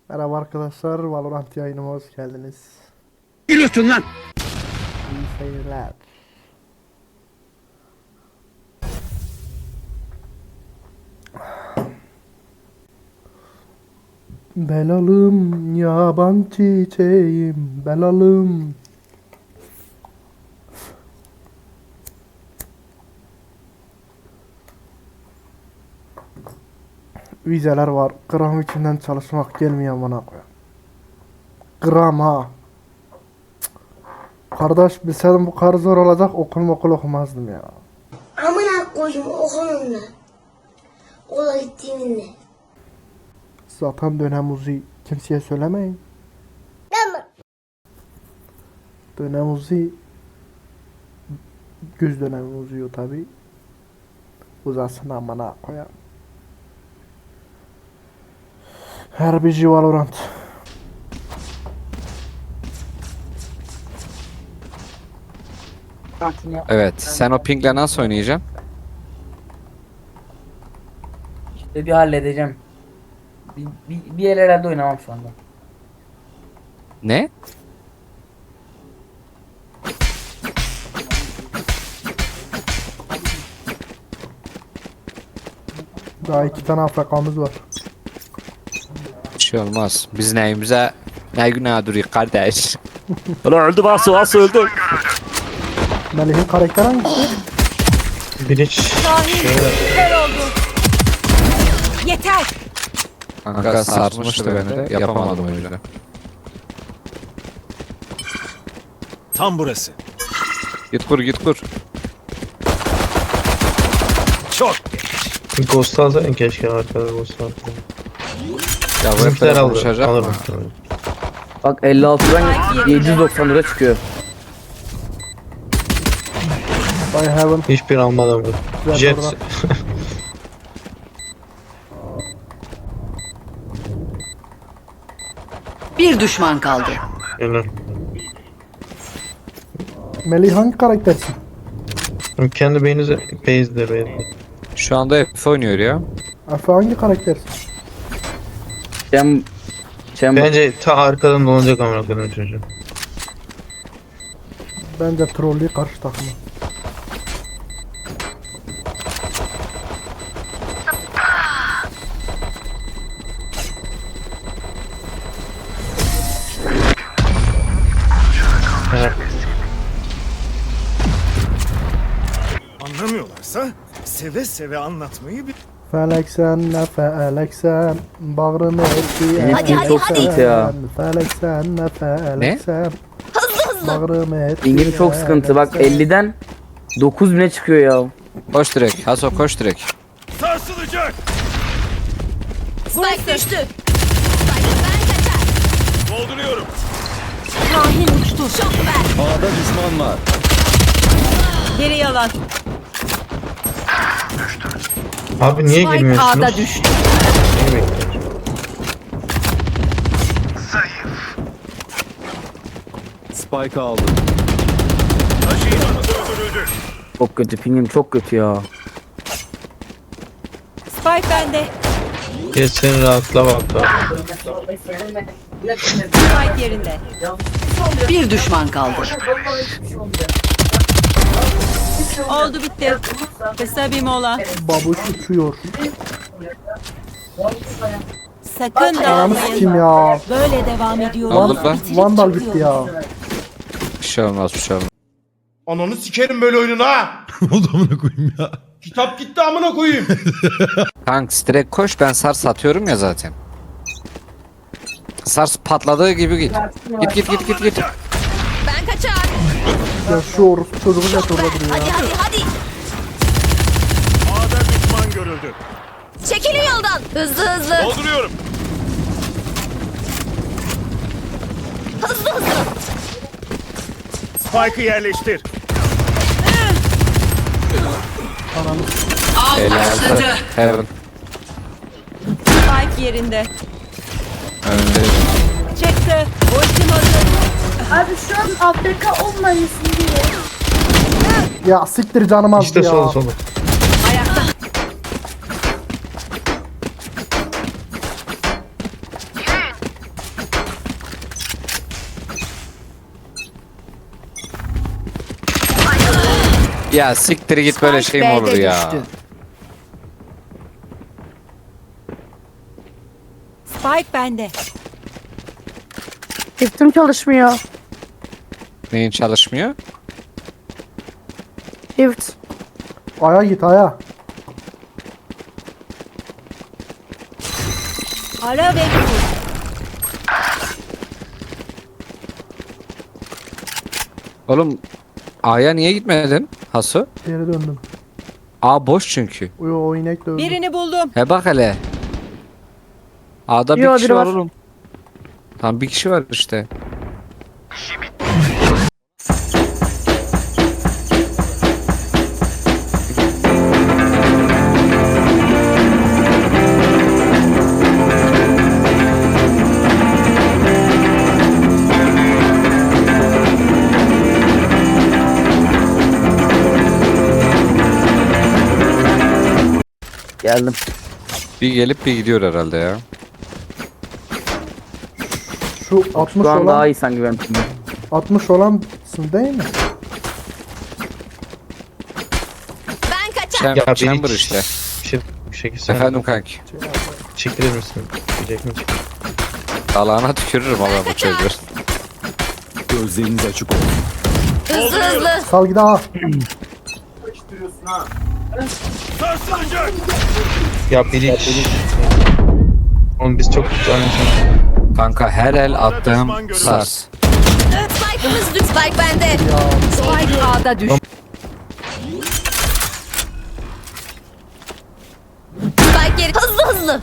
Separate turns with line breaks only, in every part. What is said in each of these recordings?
Merhaba arkadaşlar, Valorant yayınıma hoş geldiniz.
Gülüyorsun lan.
İyi seyirler. Belalım yaban çiçeğim, belalım. Vizeler var, gram içinden çalışmak gelmiyor bana koyayım. Gram ha. Kardeş bilseydim bu kadar zor olacak okul okumazdım ya.
Amına koydum okulumla. Okula gittiğimde.
Zaten dönem uzuyor. Kimseye söylemeyin.
Tamam.
Dönem uzuyor. Güz dönemi uzuyor tabi. Uzasın amına koyayım. Herbici Valorant.
Evet, sen o pingle nasıl oynayacaksın?
Bir halledeceğim. Bir yerlerde oynamam şu anda.
Ne?
Daha 2 tane Afrikamız var.
Bir şey olmaz. Biz neyimize ne günah duruyor kardeş.
Ulan öldü Vasu öldü.
Melih'in karakter hangisi?
Yeter.
Kanka sarsmıştı beni de yapamadım o yüzden.
Tam burası.
Git kur git kur.
Çok.
Ghost alsaydın keşke arkada Ghost alsaydın.
Ya bu hep
Bizimkiler
böyle
aldı.
konuşacak
Alır
mı?
muhtemelen.
Bak 56'dan 790 lira çıkıyor.
By Heaven.
Hiçbir almadım bu.
Güzel
Jet.
orada.
Bir düşman kaldı.
Helal.
Melih hangi karaktersin?
Kendi beyninize base'de base'de.
Şu anda F oynuyor ya.
Efe hangi karaktersin?
Chamber.
Bence ta arkadan dolanacak amına koyayım çocuğu.
Bence trollü karşı takımı.
Anlamıyorlarsa seve seve anlatmayı bil.
Felek sen ne felek sen bağrımı etti.
Benim
Hadi, hadi,
çok
hadi.
sıkıntı ya.
Felek sen ne felek
Ne?
sen. Bağrımı etti.
İngim çok sıkıntı. Bak 50'den 9000'e çıkıyor ya.
Koş direkt. Haso koş direkt.
Sarsılacak.
Spike düştü.
Dolduruyorum.
Kahin uçtu. Şok ver.
A'da düşman var.
Geri yalan.
Abi niye
Spike
girmiyorsunuz?
A'da düştü.
Niye bekliyorsun?
Spike aldı. Taşıyıcımız öldürüldü.
Çok kötü. Pingim çok kötü ya.
Spike bende.
Geç seni rahatla bak da.
Spike yerinde. Bir düşman kaldı. Oldu bitti. Kısa bir mola.
Babuş uçuyor.
Sakın
Ananı
dağılmayın.
sikeyim ya.
Böyle devam ediyorum.
Oldu lan.
Vandal gitti ya.
Bir şey olmaz bir şey olmaz.
Ananı sikerim böyle oyununu ha.
Oldu amına koyayım ya.
Kitap gitti amına koyayım.
Kanka direkt koş ben sars satıyorum ya zaten. Sars patladığı gibi git. Git.
Ben kaçar.
Ya şu orospu çocuğu net orada duruyor ya.
Hadi.
A'da düşman görüldü.
Çekilin yoldan. Hızlı.
Dolduruyorum.
Hızlı.
Spike'ı yerleştir.
Başladı. Heaven.
Spike yerinde.
Önünde.
Çıktı. Ultim hazır.
Abi şu an Afrika olmalısın diye.
Ya siktir canım az
İşte
ya.
solu.
Ayakta.
Ya siktir git böyle şey mi olur
B'de
ya?
düştü. Spike bende.
Çiftim çalışmıyor.
Neyin çalışmıyor?
Çift.
Aya git aya.
Ara ve kur.
Oğlum A'ya niye gitmedin Hasu?
Geri döndüm.
A boş çünkü.
O inek de öldü.
Birini buldum.
He bak hele. A'da bir
Yo,
kişi
biri
var
var.
oğlum. Tam bir kişi var işte.
Geldim.
Bir gelip bir gidiyor herhalde ya.
Şu 60
Şu an daha
olan
iyi sanki benim.
60 olansın değil mi?
Chamber,
Ya beni
chamber işte.
Bir şey sen
Efendim kanki.
çekilir misin? Diyecek mi?
Dalağına tükürürüm ama bu çocuğu.
Gözleriniz açık olsun.
Sal gidi ha.
Sarsılacak.
Ya biri... Oğlum biz çok anlaşıldık.
Kanka her el attığım sars.
Spike bende. Spike A'da düştü.
Spike geri. Hızlı.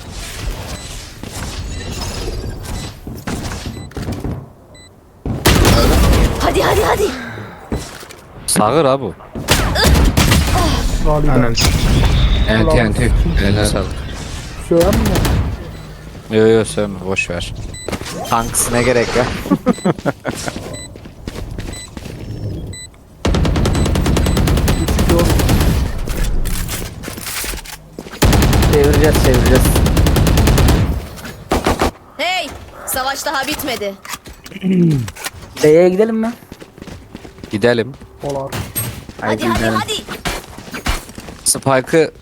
Hadi.
Sağır ha bu.
Galiba.
Aynen.
Enti enti. Eline sağlık.
Söyle mi?
Yo söyleme boş ver. Tanks ne gerek ya?
Çevireceğiz.
Hey, savaş daha bitmedi.
B'ye gidelim mi?
Gidelim.
Olar.
Hadi.
Spike'ı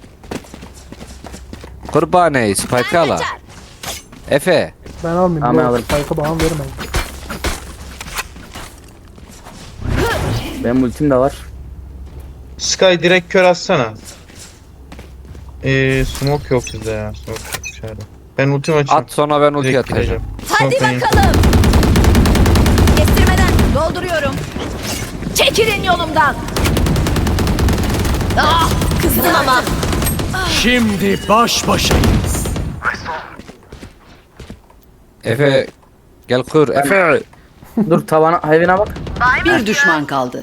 Kurbaneyi Spike'ı ala. Efe.
Ben almayayım.
Tamam, ben
Yok,
alırım.
Spike'ı bana vermeyin.
Benim ultim de var.
Sky direkt kör atsana. Smoke yok bizde ya. Smoke yok dışarıda. Ben ultim açayım.
At sonra ben ulti
Direkt
atacağım.
gireceğim.
Hadi
Smoke'dan
bakalım. Kestirmeden dolduruyorum. Çekilin yolumdan. Ah, kızdım ama.
Şimdi baş başayız.
Efe gel kur. Efe.
Dur tavana hayvana bak.
Bir düşman kaldı.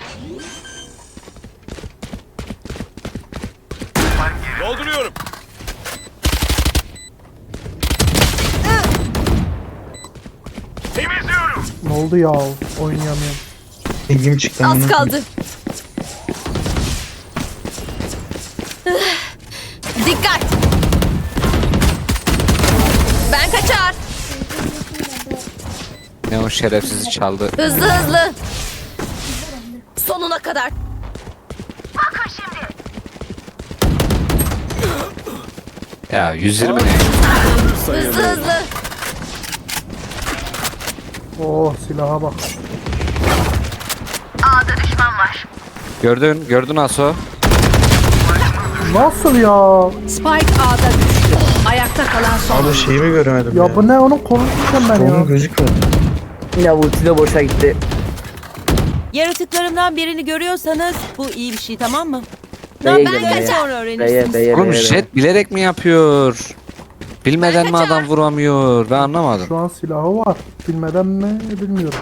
Dolduruyorum. Temizliyorum.
Ne oldu ya? Oynayamıyorum.
İlgim çıktı.
Az
amına
kaldı. Dikkat. Ben kaçar.
Ne o şerefsizi çaldı.
Hızlı. Sonuna kadar.
Ya 120 ne?
Hızlı.
Oh silaha bak.
Gördün Aso.
Nasıl ya?
Spike A'da düştü. Ayakta kalan son.
Abi şeyimi göremedim
Ya bu ne onun konuşacağım ben
Onun
ya.
gözükmüyor.
Ya ulti de boşa gitti.
Yaratıklarımdan birini görüyorsanız bu iyi bir şey, tamam mı?
B'ye
ben
gidelim B'ye.
Sonra öğrenirsiniz.
B'ye.
Oğlum jet bilerek mi yapıyor? Bilmeden mi adam vuramıyor? Ben anlamadım.
Şu an silahı var. Bilmeden mi bilmiyorum.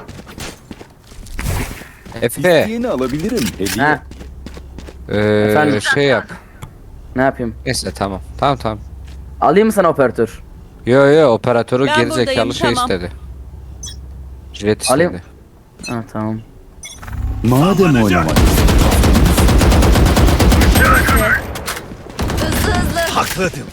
Efe.
Yeni alabilirim. Hediye.
Ha, Efendim?
Şey yap.
ne yapayım?
Neyse tamam. Tamam.
Alayım mı sana operatör?
Yo operatörü
Ben
geri
buradayım,
zekalı şey
tamam.
istedi. Jet
Alayım.
istedi.
Ha tamam.
Madem oynamak.
Hızlı.
Hakladım.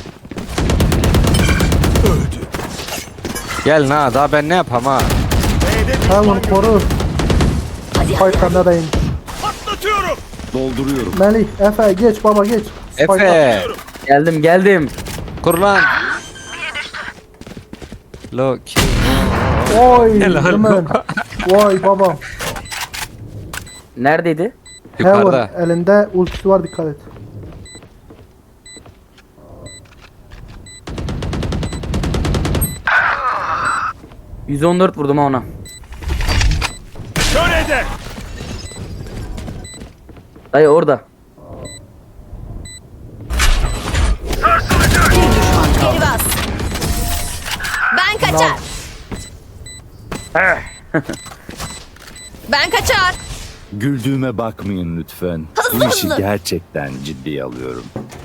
Gel na daha ben ne yapam ha?
Sen onu koru.
Hadi.
Spike'larına da in.
Patlatıyorum. Dolduruyorum.
Melih, Efe geç baba geç.
Efe.
Geldim.
Kur lan. Loki.
Oy
Helal
hemen. Vay babam.
Neredeydi?
Yukarıda.
Heaven elinde ultisi var dikkat et.
%14 vurdum ha ona.
Şöyle de.
Dayı orada.
Geri bas. Ben kaçar. Ben kaçar.
Güldüğüme bakmayın lütfen.
Hızlı,
Bu işi
hızlı.
gerçekten ciddiye alıyorum.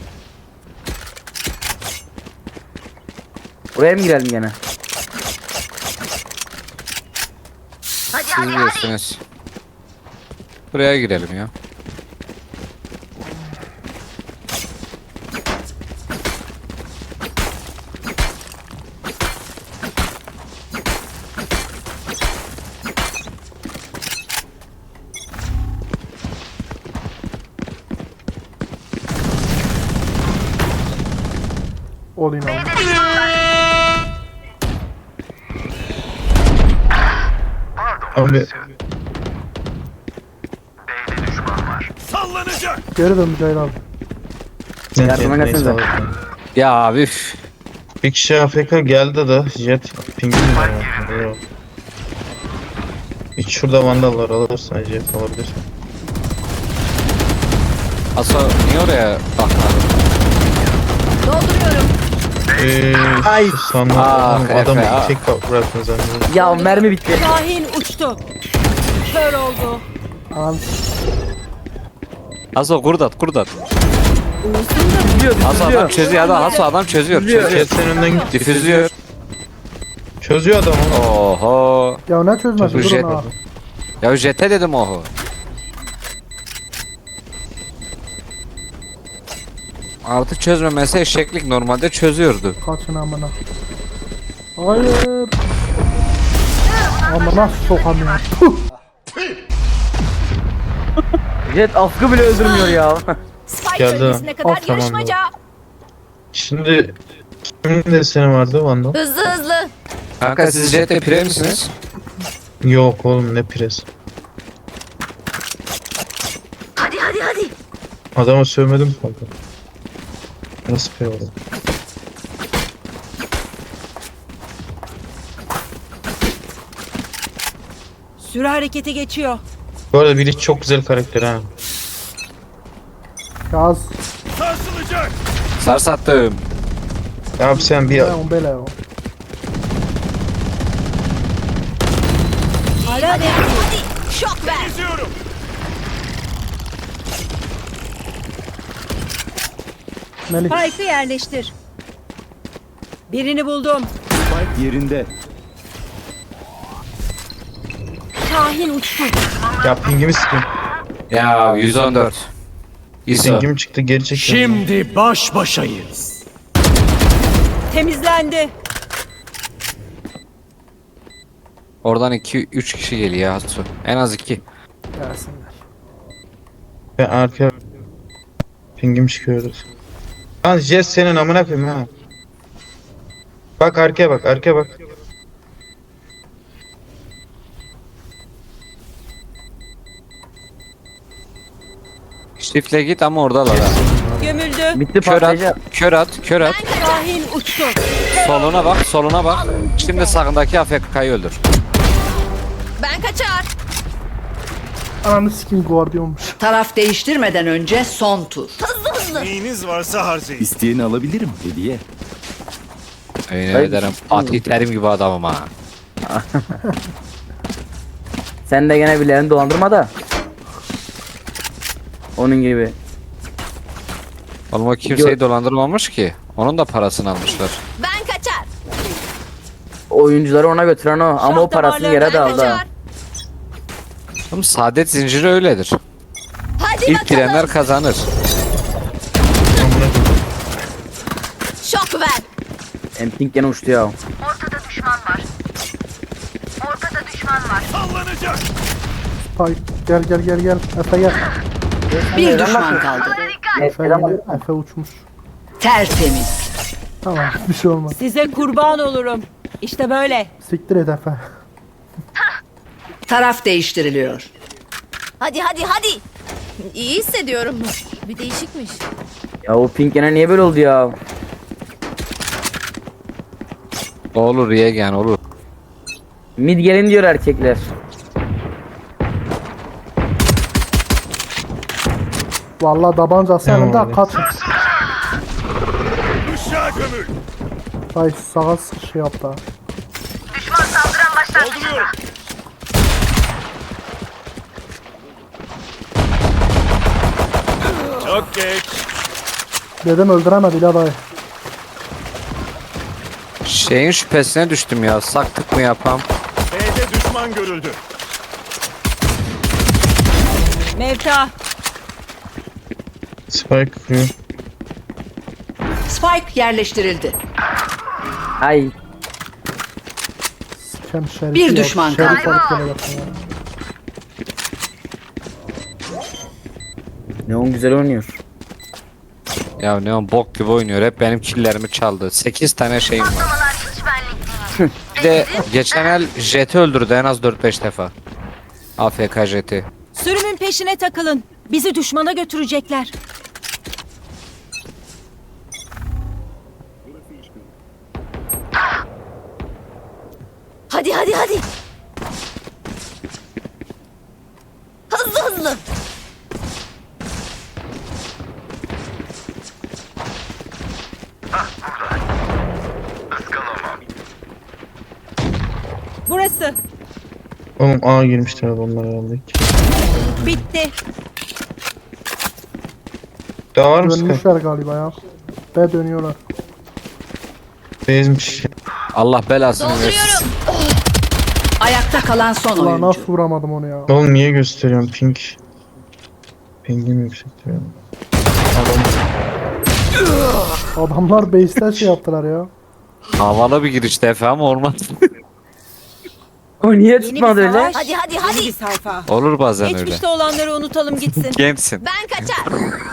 Buraya mı girelim gene?
Siz bilirsiniz. Buraya girelim ya.
Olayım abi.
Abi
Sallanacak.
Geri dön Mücahit abi.
Yardıma
neyse,
gelsenize.
neyse.
Ya abi üf.
Bir kişi AFK geldi de jet pingin var ya. Yok. Hiç şurada vandallar alırsan jet alabilir.
Asa niye oraya bakmadın?
Dolduruyorum.
Ay.
Sandım
Ah,
adamı
Efe, ah.
tek bıraktın zannediyorum.
Ya mermi bitti.
Şahin uçtu. Kör oldu.
Anam
Asa kurdat.
Üzülüyor.
Asa adam çözüyor adam çözüyor.
Jet senin önünden gitti.
Difüzlüyor.
Çözüyor adam onu.
Oho.
ya ne çözmez
Bu
durun
jet.
ha.
Ya jete dedim oho. Artık çözmemesi eşeklik, normalde çözüyordu.
Kaçın amına. Hayır. Amına sokamıyorum. Puh.
Jet afkı bile öldürmüyor ya.
Spike
Geldi.
bölgesine kadar
Of, tamam,
yarışmaca.
Şimdi kimin desteni vardı vandal?
Hızlı hızlı.
Kanka siz jete pire misiniz?
Yok oğlum ne pres.
Hadi hadi hadi.
Adama sövmedim kanka. Nasıl pre oldu?
Süre harekete geçiyor.
Bu arada biri çok güzel karakter ha.
Yaz.
Sarsılacak.
Sarsattım.
Abi sen bir
Leon Beleo.
Ara
Hadi hadi. Şok ver.
Geziyorum.
Melih.
Spike'ı yerleştir. Birini buldum.
Spike yerinde.
Şahin uçtu.
ya pingimi sıkın.
Ya 114. ISO.
Pingim çıktı geri çekiyorum.
Şimdi baş başayız.
Temizlendi.
Oradan 2-3 kişi geliyor Hatsu. En az 2.
Gelsinler.
Ben arkaya pingim çıkıyoruz. Lan jet senin amına koyayım ha. Bak arkaya bak arkaya bak.
Çiftle git ama oradalar ha.
Gömüldü.
Bitti
Kör at,
patlayacak.
kör at.
Şahin uçtu.
Soluna bak. Şimdi sağındaki AFK'yı öldür.
Ben kaçar.
Ananı sikim guardiyormuş.
Taraf değiştirmeden önce son tur.
Hızlı hızlı.
Neyiniz varsa harcayın. İsteyeni alabilirim hediye.
Yemin
Hayır.
ederim atletlerim gibi adamım ha.
Sen de gene birilerini dolandırma da. Onun gibi.
Oğlum o kimseyi dolandırmamış ki. Onun da parasını almışlar.
Ben kaçar.
Oyuncuları ona götüren o. Ama o
Şah
parasını
damarları
yere
Ben
de aldı. ha.
kaçar.
Oğlum saadet zinciri öyledir.
Hadi
İlk
bakalım.
girenler kazanır.
Amına koyayım.
Şok ver.
Emping gene uçtu ya.
Sallanacak.
Spike gel. Efe gel.
Bir düşman kaldı.
Efe uçmuş.
Tertemiz.
Tamam bir şey olmaz.
Size kurban olurum. İşte böyle.
Siktir et Efe.
Taraf değiştiriliyor.
Hadi hadi hadi. İyi hissediyorum. Bir değişikmiş.
Ya o pink gene niye böyle oldu ya?
Olur Yegen olur.
Mid gelin diyor erkekler.
Vallahi tabancası
Tamam
yanında
abi.
kaçın.
Uşağı gömül.
Ay sağa şey yaptı. ha.
Dolduruyorum. Çok geç.
Dedim öldüremedi la dayı.
Şeyin şüphesine düştüm ya. Saktık mı yapam?
B'de düşman görüldü.
Mevta.
Spike kuruyor.
Spike yerleştirildi.
Ay
Sikem şerif
Bir
ya,
düşman
şerif
kaldı.
alıp geleceksin ya.
Neon güzel oynuyor.
Ya Neon bok gibi oynuyor. Hep benim killerimi çaldı. 8 tane şeyim var. Bir de geçen el Jet'i öldürdü en az 4-5 defa. AFK Jet'i.
Sürümün peşine takılın. Bizi düşmana götürecekler.
Hadi hadi hadi. Hızlı hızlı.
Burası.
Oğlum A girmişler adamlar herhalde.
Bitti.
Daha var mı Spike?
Dönmüşler galiba ya. Ve dönüyorlar.
Bezmiş.
Allah belasını versin.
Dolduruyorum.
Ayakta kalan son
Ulan
oyuncu.
nasıl vuramadım onu ya.
Oğlum niye gösteriyorum pink? Pingim yüksektir yani.
Adamlar base'ten şey yaptılar ya.
Havalı bir girişti Efe ama olmaz.
O niye
Yeni bir
tutmadı öyle?
savaş.
Hadi hadi
Yeni bir
hadi.
sayfa.
Olur bazen öyle.
Geçmişte olanları unutalım gitsin.
Gençsin.
Ben kaçar.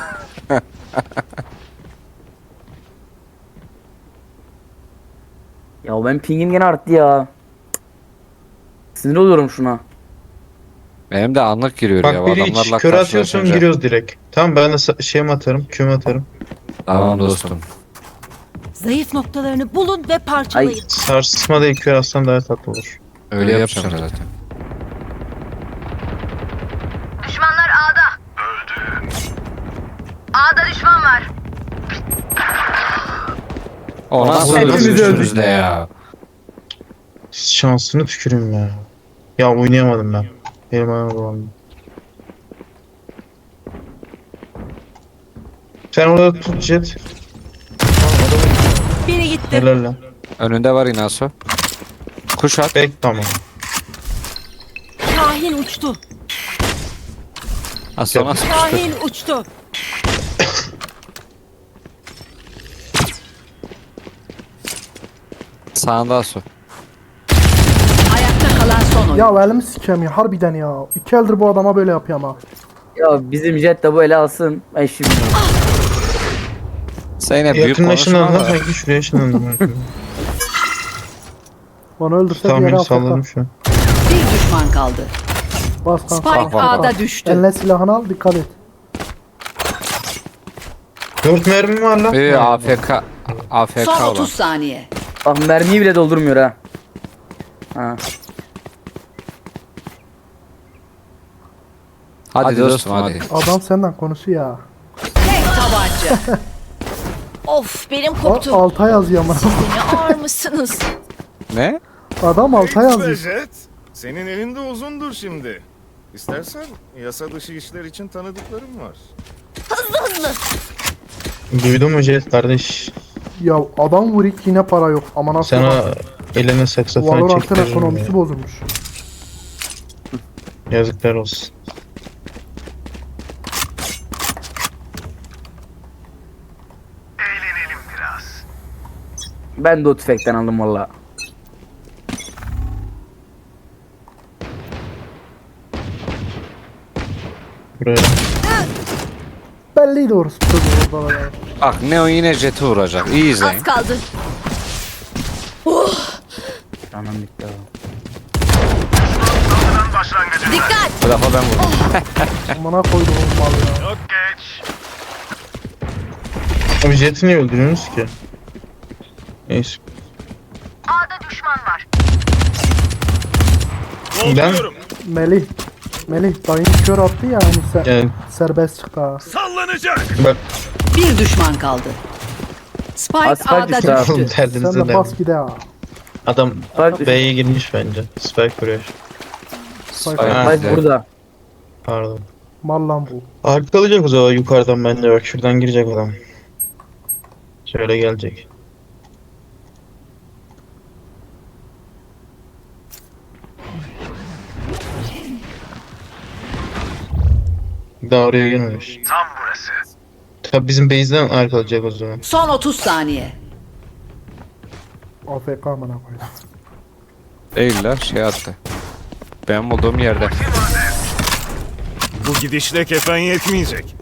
Ya ben pingim gene arttı ya. Sinir oluyorum şuna.
Benim de anlık giriyor ya.
Bak biri
Adamlarla
hiç kör atıyorsun
karşılaşınca.
giriyoruz direkt. Tamam ben de şeyim atarım, küm atarım.
Tamam dostum.
Zayıf noktalarını bulun ve parçalayın.
Sarsılmada ilk kör atsan daha tatlı olur.
Öyle yapacağım zaten.
Düşmanlar A'da. A'da düşman var.
O nasıl
Hepimiz
öldürdünüz de ya.
Şansını tüküreyim ya. Ya oynayamadım ben. Benim ayağım dolandı. Sen orada tut Jet.
Biri gitti.
Helal lan.
Önünde var Inaso. Kuş at.
Bek tamam.
Kahin uçtu.
Aslan nasıl düştü?
Kahin uçtu.
Sağında Asu.
Ayakta kalan son oyuncu.
Ya elimi sikem ya harbiden ya. 2 eldir bu adama böyle yapıyor ama.
Ya bizim jet de bu ele alsın. Ben şimdi.
Sen yine büyük
Yakın
konuşma
ışınlandım
ama.
sanki şuraya ışınlandım.
Onu öldürse
Tamam
diğeri
beni
afk.
salladım şu an.
Bir düşman kaldı.
Bas kanka.
Spike
bak,
A'da düştü.
Eline silahını al dikkat et.
4 mermim var lan.
AFK. AFK
Son
olan.
30 saniye.
Bak mermiyi bile doldurmuyor ha. Ha.
Hadi dostum hadi.
Adam senden konuşuyor ya.
Tek tabanca.
Of benim
O
koptu.
alta yazıyor ama.
Ne ağır mısınız?
Ne?
Adam alta yazıyor.
Jet. Senin elinde uzundur şimdi. İstersen yasa dışı işler için tanıdıklarım var.
Hızlı hızlı.
Duydun mu Jet kardeş?
Ya adam vurik yine para yok. Ama nasıl?
Sana eline saksafon
Valorant'ın
çektiririm
ekonomisi
ya.
bozulmuş.
Yazıklar olsun.
Ben de o tüfekten aldım valla.
Buraya.
belliydi orası. Orada ya.
Bak Neo yine jeti vuracak. İyi izleyin.
Az kaldı.
Anam bitti abi.
Dikkat.
Bu defa ben vurdum.
Amına koydum o mal ya.
Abi Jet'i niye öldürüyorsunuz ki? Neyse. Ben
Melih dayın kör attı ya hani
yani
serbest çıktı ha.
bak
Bir düşman kaldı. Spike
Spike
A'da
düştü abi.
oğlum
düştü.
Sen
derdinize
de
ne?
bas gide ha.
Adam
Spike
B'ye girmiş bence. Spike vuruyor.
Aynen.
Spike burada.
Pardon.
Mal lan bu.
Arkalayacak o zaman yukarıdan bence bak şuradan girecek adam. Şöyle gelecek. Daha oraya gelmemiş. Tam burası. Tabi bizim base'den arkalayacak o zaman.
Son 30 saniye.
AFK amına koydum.
Değiller şey attı. Benim olduğum yerde.
Bu gidişle kefen yetmeyecek.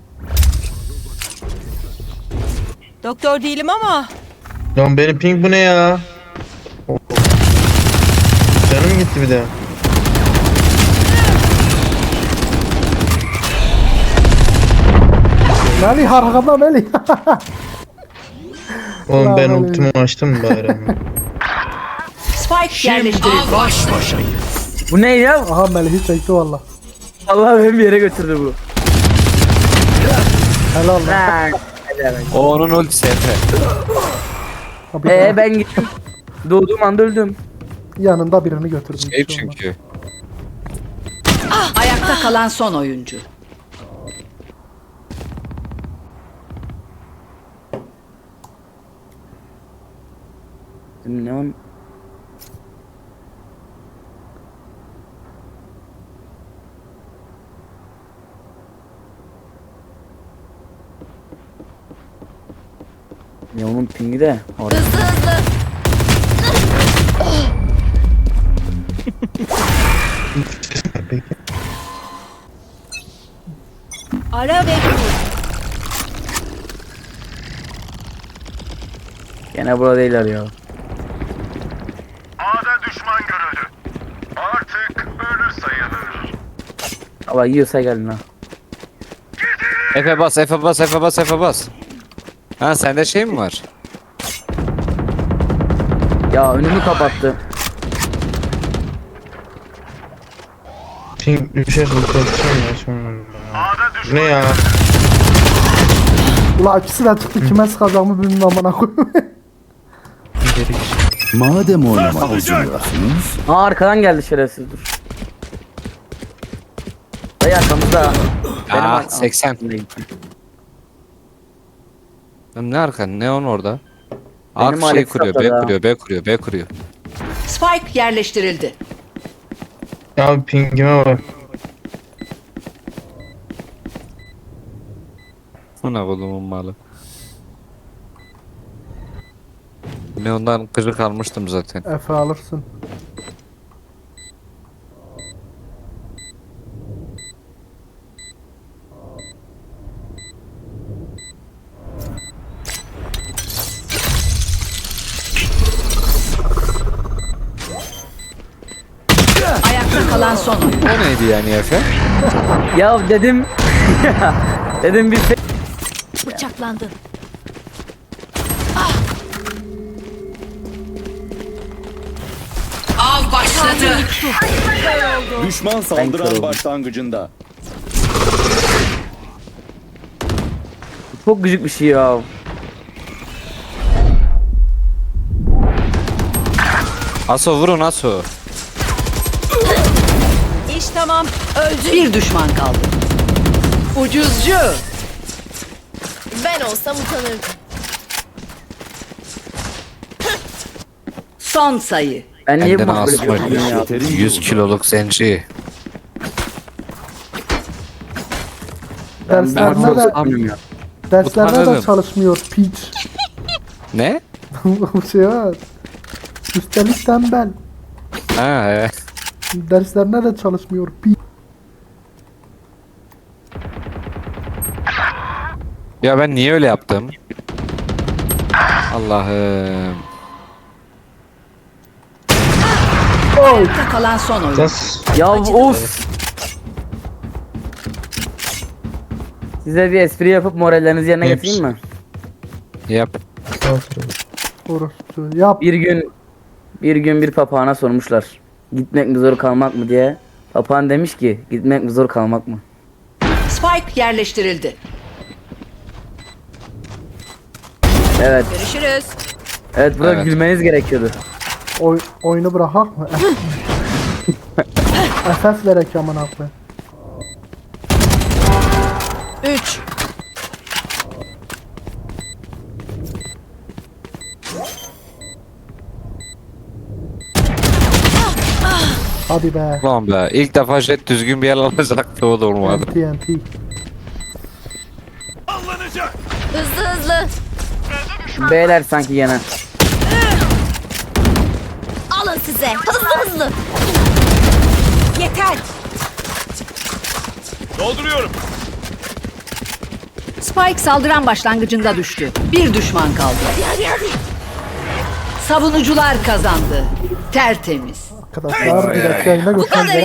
Doktor değilim ama
Lan benim ping bu ne ya? Canım gitti bir de.
Melih arkada Melih.
Oğlum
Lan
ben
öyle.
ultimi açtım bari.
Spike yerleştirildi.
Bu ne ya?
Aha Melih'i çekti valla.
Allah beni bir yere götürdü bu.
Helal lan.
Ha.
O onun ultisi Efe.
Abi
Ben gittim. Doğduğum anda öldüm.
yanında birini götürdüm.
Şey çünkü.
Ayakta kalan son oyuncu.
Ne on? Ne onun pingi de orada.
Hızlı hızlı.
ara ve kur.
Gene burada değiller ya.
A'da düşman görüldü. Artık ölü sayılır.
Allah yiyorsa gelin ha.
Efe bas, Efe bas, Efe bas, Efe bas. Ha sende şey mi var?
Ya önümü kapattı.
Ping düşerse korkacağım ya sonra. Bu ne ya?
Ulan ikisi de çıktı kime sıkacağımı bilmiyorum amına koyayım.
Madem oynamak üzülüyorsunuz,
Aa arkadan geldi şerefsiz dur. Dayı arkamızda.
Aa 80. Lan ne arkan? Ne on orada? Ark şey
Alex
kuruyor,
atladı
B
ha.
kuruyor, B kuruyor, B kuruyor.
Spike yerleştirildi.
Ya pingime bak.
Buna kolumun malı. Ne ondan kırık almıştım zaten.
Efe alırsın.
Ayakta kalan son oyuncu.
O neydi yani Efe?
Ya dedim. Dedim bir
Bıçaklandı.
Av başladı.
düşman saldıran başlangıcında.
çok gıcık bir şey ya.
Aso vurun Aso.
İş tamam.
Öldü. Bir düşman kaldı. Ucuzcu.
Ben olsam utanırdım.
Son sayı.
Ben niye bu
Benden
böyle
asma
yapıyorum ya?
100 kiloluk zenci.
Ben
Derslerine
çok
de,
sanmıyorum ya.
derslerine de
Utanırım.
çalışmıyor piç.
Ne?
Bu şey var. Üstelik tembel.
Ha evet.
Derslerine de çalışmıyor piç.
Ya ben niye öyle yaptım? Allah'ım.
Ayakta kalan son oyun.
Sen
Ya of. Size bir espri yapıp morallerinizi yerine
Neymiş?
getireyim mi?
Yap.
Orası. Yap.
Bir gün bir papağana sormuşlar. Gitmek mi zor kalmak mı diye. Papağan demiş ki gitmek mi zor kalmak mı?
Spike yerleştirildi.
Evet.
Görüşürüz.
Evet burada
Evet.
gülmeniz gerekiyordu.
Oyunu bırakak mı? Esas verek amına koyayım.
3.
Hadi be.
Ulan be. İlk defa jet düzgün bir yer alacaktı, o da olmadı.
TNT.
Sallanacak.
Hızlı hızlı.
Beyler sanki gene.
Alın size. Hızlı hızlı.
Yeter.
Dolduruyorum.
Spike saldıran başlangıcında düştü. Bir düşman kaldı. Savunucular kazandı. Tertemiz.
Arkadaşlar bir dakika yayına
Bu kadar
göstereceğim.